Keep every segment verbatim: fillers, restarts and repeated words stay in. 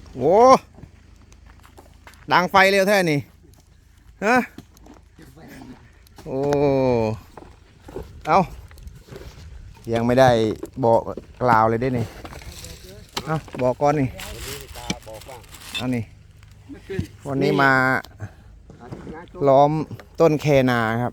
โอ้ดังไฟเร็วแท้นี่ฮะโอ้เอายังไม่ได้บอกกล่าวเลยได้นี่เอาบอกก่อนนี่เอานี่วันนี้มาล้อมต้นแคนาครับ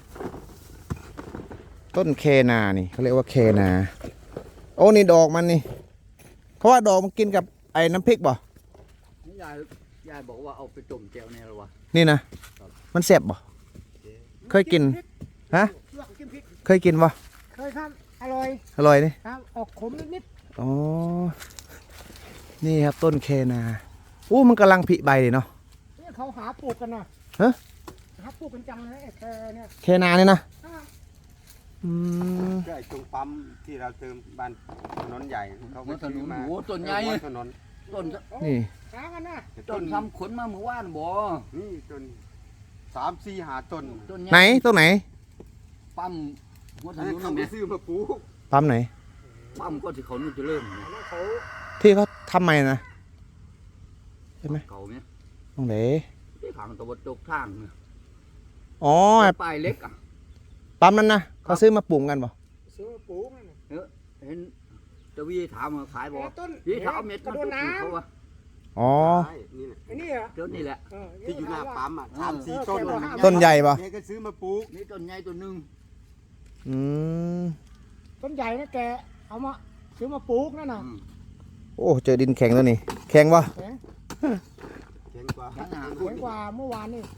ต้นแคนานี่เขาเรียกว่าแคนาโอ้นี่ดอกมันนี่เขาว่าดอกมันกินกับไอ้น้ำพริกบ่ยายยายบอกว่าเอาไปต้มแจ่วเนี่ยหรอวะนี่นะมันแซ่บบ่เคยกินฮะเคยกินบ่เคยครับอร่อยอร่อยนี่ครับออกขมนิดๆอ๋อนี่ครับต้นแคนาอู้มันกำลังผลิใบเลยเนาะนี่เขาหาปลูกกันนะฮะหาปลูกกันจังเลยแคเนี่ยแคนาเนี่ยนะอืมใช่ตรงปั๊มที่เราเติมบ้านถนนใหญ่เขาไปซื้อมาโอ้ต้นใหญ่ถนนต้นนี่หากันนะต้นทำขนมาเมื่อวานบ่นี่ต้นสามสี่หาต้นไหนต้นไหนปั๊มหัวถนนเขาไปซื้อมาปลูกปั๊มไหนปั๊มก็ที่เขานู่นจะเริ่มที่เขาทำใหม่นะใช่ไหมเก่าไหมตรงไหนที่ทางตะวันตกทางเนี่ยอ๋อป้ายเล็กอ่ะปั๊มนั้นนะเขาซื้อมาปลูกกันบ่ซื้อมาปลูกเออเห็นตะวีถามมาขายบ่ต้นพี่ถามเม็ดกระโดดน้ำอ๋อไอ้นี่อ่ะต้นนี่แหละที่อยู่หน้าปั๊มอ่ะสามสี่ต้นต้นใหญ่ป่ะนี่ก็ซื้อมาปลูกนี่ต้นใหญ่ต้นหนึ่งอืมต้นใหญ่นะแกเอามาซื้อมาปลูกนั่นน่ะโอ้เจอดินแข็งแล้วนี่แข็งป่ะแข็งแข็งกว่าแข็งกว่าเมื่อวานนี่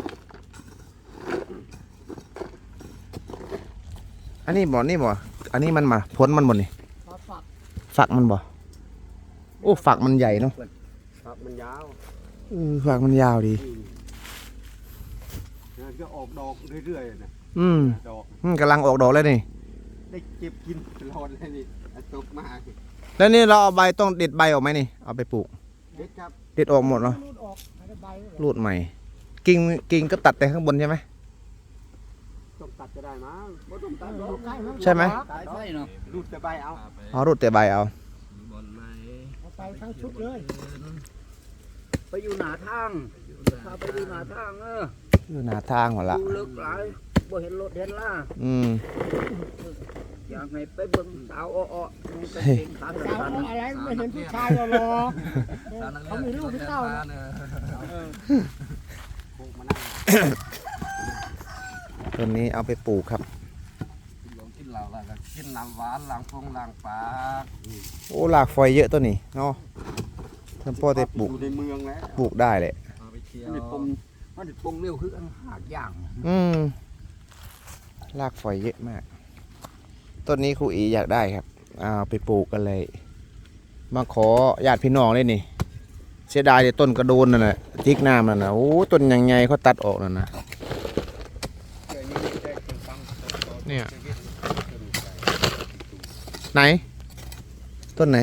อันนี้บ่นี่บ่อันนี้มันมาพ้นมันหมดนี่ฝักฝักมันบ่โอ้ฝักมันใหญ่เนาะฝักมันยาวเออฝักมันยาวดีจะออกดอกเรื่อยๆนะอืมดอกกำลังออกดอกแล้วนี่ได้เก็บกินตลอดเลยนี่ตกมาแล้วนี่เราเอาใบต้องเด็ดใบออกไหมนี่เอาไปปลูกเด็ดครับเด็ดออกหมดเนาะรูดใหม่กิ่งกิ่งก็ตัดแต่ข้างบนใช่ไหมต้องตัดจะได้มั้งไม่ต้องตัดใช่ไหมรูดแต่ใบเอาอ๋อรูดแต่ใบเอาเอาไปทั้งชุดเลยไปอยู่หน้าทางพาไปอยู่หน้าทางเอออยู่หน้าทางหมดละดูลึกหลายบ่เห็นรถเห็นล่าอืมอยากให้ไปเบิ่งสาวอ้อๆสาวอะไรไม่เห็นผู้ชายรอเขามีลูกที่เต้าต้นนี้เอาไปปลูกครับกินเหล้าแล้วกินน้ำหวานล้างฟงล้างปากโอ้หลากฝอยเยอะตัวนี้เนาะท่านพ่อได้ปลูกอยู่ในเมืองแล้วปลูกได้เลยมันปงมันปงเร็วคือหากย่างอืมรากฝอยเยอะมากต้นนี้ครูอีอยากได้ครับเอาไปปลูกกันเลยมาขอญาติพี่น้องเลยนี่เสียดายแต่ต้นกระโดนนั่นแหละจิกน้ำนั่นนะโอ้ต้นยังไงเขาตัดออกนั่นนะเนี่ยไหนต้นไหน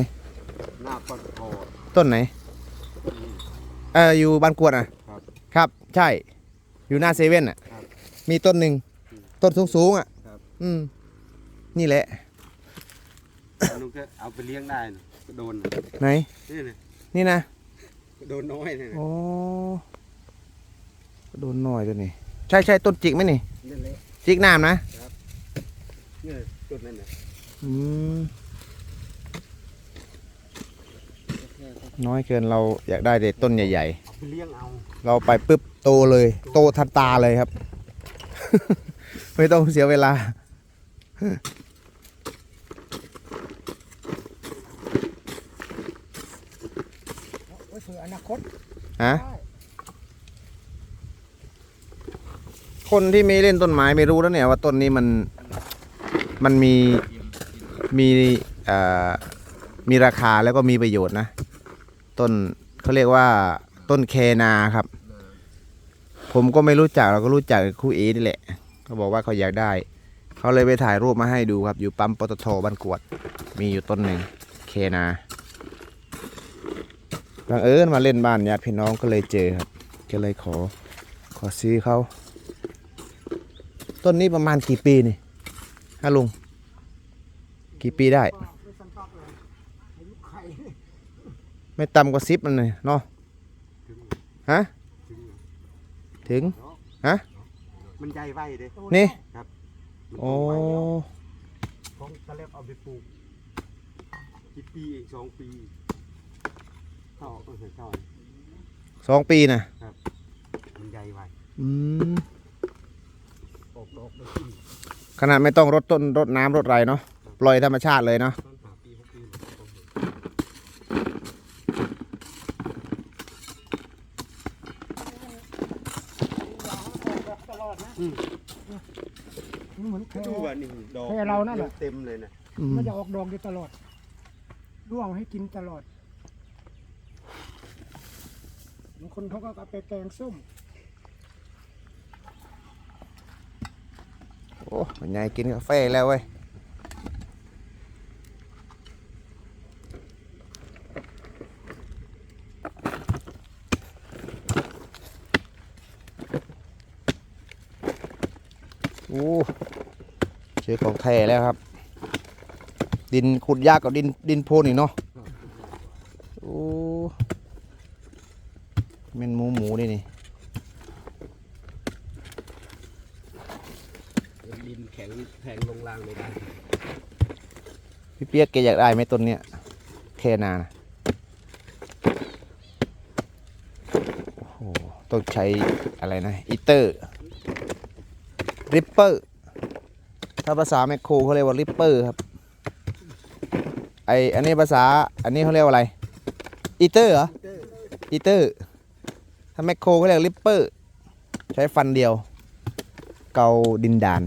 ต้นไหนเอออยู่บ้านกวดอ่ะครับใช่อยู่หน้าเซเว่นอ่ะมีต้นหนึ่งต้นสูงๆอ่ะอืมนี่แหละลุงจะเอาไปเลี้ยงได้โดนไหนนี่นะโดนน้อยเลยโอ้โดนน้อยตัวนี้ใช่ใช่ต้นจิกไหมนี่จิกน้ำนะนี่ต้นนั่นน่ะอืมน้อยเกินเราอยากได้แต่ต้นใหญ่ๆเราไปปุ๊บโตเลยโตทันตาเลยครับ ไม่ต้องเสียเวลาอนาคตฮะคนที่ไม่เล่นต้นไม้ไม่รู้แล้วเนี่ยว่าต้นนี้มันมันมีมีอ่ามีราคาแล้วก็มีประโยชน์นะต้นเขาเรียกว่าต้นแคนาครับผมก็ไม่รู้จักเราก็รู้จักครูเอนี่แหละเขาบอกว่าเขาอยากได้เขาเลยไปถ่ายรูปมาให้ดูครับอยู่ปั๊มปตท.บ้านกวดมีอยู่ต้นหนึ่งแคนาบังเอิญมาเล่นบ้านญาติพี่น้องก็เลยเจอครับก็เลยขอขอซื้อเขาต้นนี้ประมาณกี่ปีนี่ฮะลุงกี่ปีได้ไม่ต่ำกว่าสิบมันเลยเนาะถึงฮะถึงถึง ฮะมันใหญ่ไวเด้นี่มันโอ้โตไวของตะเล็บเอาไปปลูกกี่ปีเองสองปีเข้าเออเข้าสองปีนะมันใหญ่ไวอืมออกดอกได้ขึ้นขนาดไม่ต้องรดต้นรดน้ำรดไรเนาะปล่อยธรรมชาติเลยเนาะต้นหาปีหกปีมันก็โตตลอดนะมันเหมือนแค่ดูว่านี่ดอกแค่เรานั่นแหละเต็มเลยนะอืมมันจะออกดอกอยู่ตลอดร่วงให้กินตลอดบางคนเขาก็เอาไปแกงส้มโอ้ยายกินกาแฟแล้วเว้ยโอ้เจอของแท้แล้วครับ ดินขุดยากกว่าดินดินโพนอีกเนาะโอ้เม็นหมูหมูนี่นี่ดินแข็งแทงลงล่างไม่ได้พี่เปียกแกอยากได้ไหมต้นเนี้ยแค่นานะโอ้โหต้องใช้อะไรนะอีเตอร์ริปเปอร์ถ้าภาษาแมคโครเขาเรียกว่าริปเปอร์ครับไออันนี้ภาษาอันนี้เขาเรียกว่าอะไรอีเตอร์เหรออีเตอร์ถ้าแมคโครเขาเรียกริปเปอร์ใช้ฟันเดียวเกาดินดาน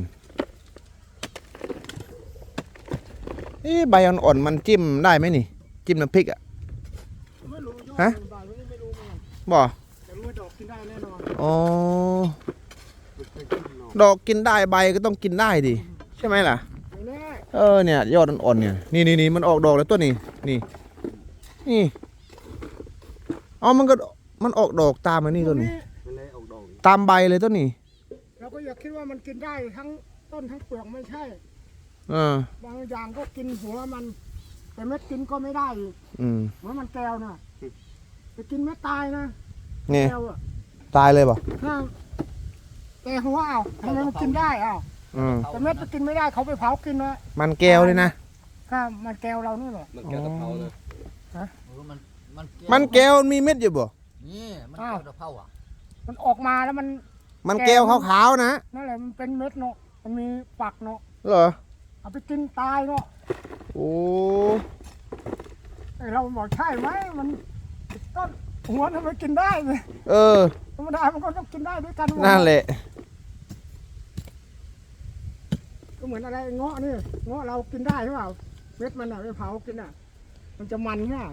เอ๊ะใบอ่อนๆมันจิ้มได้ไหมนี่จิ้มน้ำพริกอ่ะไม่รู้ยอดฮะมันบานไม่ไม่รู้เหมือนกันบ่แต่รู้ว่าดอกกินได้แน่นอนอ๋อมันเคยขึ้นเนาะดอกกินได้ใบก็ต้องกินได้ดิใช่ไหมล่ะไม่แน่เออเนี่ยยอดอ่อนๆเนี่ยนี่นี่นี่มันออกดอกแล้วตัวนี้นี่นี่อ๋อมันก็มันออกดอกตามมานี่ตัวนี้มันเลยออกดอกตามใบเลยตัวนี้เราก็อยากคิดว่ามันกินได้ทั้งต้นทั้งเปลือกไม่ใช่เออบางอย่างก็กินหัวมัน แต่เม็ดกินก็ไม่ได้อีกอืมเหมือนมันแก้วนะไปกินเม็ดตายนะนี่แก้วอะตายเลยป่ะถ้าแต่หัวเอาทำไมมันกินได้เอาอืมแต่เม็ดมันกินไม่ได้เขาไปเผากินนะมันแก้วเลยนะถ้ามันแก้วเรานี่แหละมันแก้วตะเภานะเออมันมันมันแก้วมีเม็ดอยู่บ่นี่มันแก้วตะเภาอ่ะมันออกมาแล้วมันมันแก้วขาวๆนะนั่นแหละมันเป็นเม็ดเนาะมันมีฝักเนาะเหรอเอาไปกินตายเนาะโอ้ไอเราบอกใช่ไหมมันต้นหัวทำไมกินได้เลยเออธรรมดามันก็ต้องกินได้ด้วยกันหมดนั่นแหละก็เหมือนอะไรเงาะนี่เงาะเรากินได้หรือเปล่าเม็ดมันอะไปเผากินอะมันจะมันใช่ไหม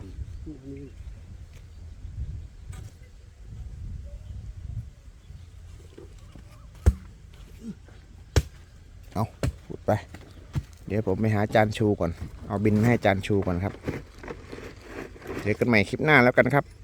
พูดไป เดี๋ยวผมไปหาจานชูก่อน เอาบินมาให้จานชูก่อนครับ เจอกันใหม่คลิปหน้าแล้วกันครับ